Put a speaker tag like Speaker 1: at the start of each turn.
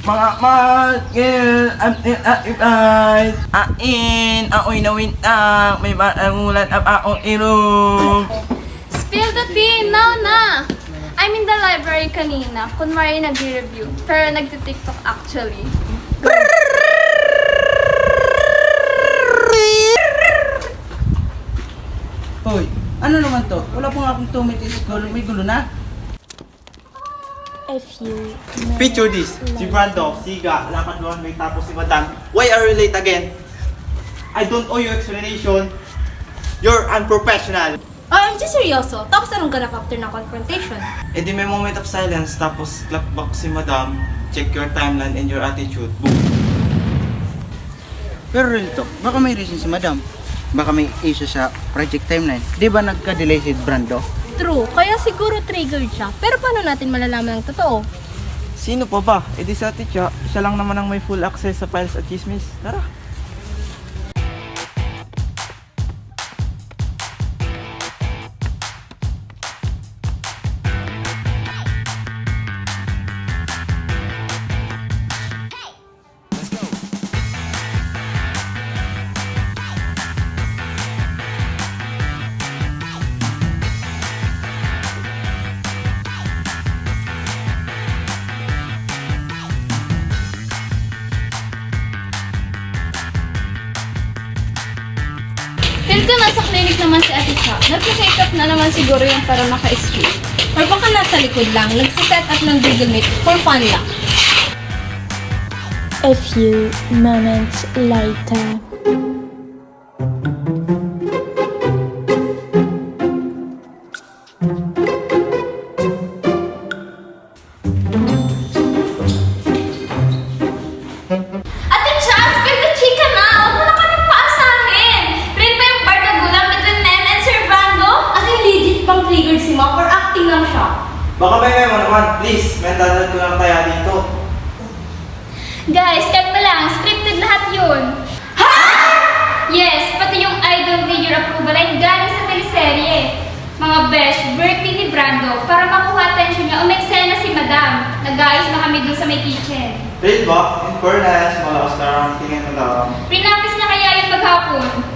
Speaker 1: Mga magil, aoy na wintang, may maangulan ang aong ilong.
Speaker 2: Spill the tea! Now na! I'm in the library kanina. Kunwari nag-review. Pero nagti-TikTok actually.
Speaker 3: Hoy, ano naman to? Wala pa nga akong 2 minutes gulo. May gulo na.
Speaker 4: A few
Speaker 1: Picture this. Si Brando, Siga, lakad doon, may tapos si Madam. Why are you late again? I don't owe you explanation. You're unprofessional.
Speaker 4: OMG, seryoso? Tapos anong ganap after ng confrontation?
Speaker 1: E di may moment of silence, tapos clap back si Madam. Check your timeline and your attitude. Boom.
Speaker 3: Pero real talk, baka may reason si madam. Baka may issue sa project timeline. Di ba nagka-delay si Brando?
Speaker 4: True, kaya siguro triggered siya. Pero paano natin malalaman ang totoo?
Speaker 1: Sino pa ba? E di sa teacher, siya lang naman ang may full access sa files at chismis. Tara.
Speaker 2: Feel ko nasa clinic naman si Ate Cha. Nagsiset up na naman siguro yung para maka-escape.
Speaker 4: Or baka nasa likod lang, nagsiset up ng Google Meet for fun lang.
Speaker 5: A few moments later.
Speaker 2: Ate Cha, spill the chika na! Huwag mo na kami paasahin! Real ba yung bardagulan between Mem and Sir Brando?
Speaker 4: As in legit pang triggered si Mom or acting lang siya?
Speaker 1: Baka may mo naman, please. Mental ko lang tayo dito.
Speaker 2: Guys, kalma lang. Scripted lahat yun. Ha?! Yes, pati yung I don't need your approval ay galing sa teleserye. Mga besh, birthday ni Brando para makuha attention niya umeksena si Madam. Nag-ayos na kami dun sa may kitchen.
Speaker 1: Real ba? In fairness, malakas na ang tingin mo lang.
Speaker 2: Prinapis niya kaya yung maghapon.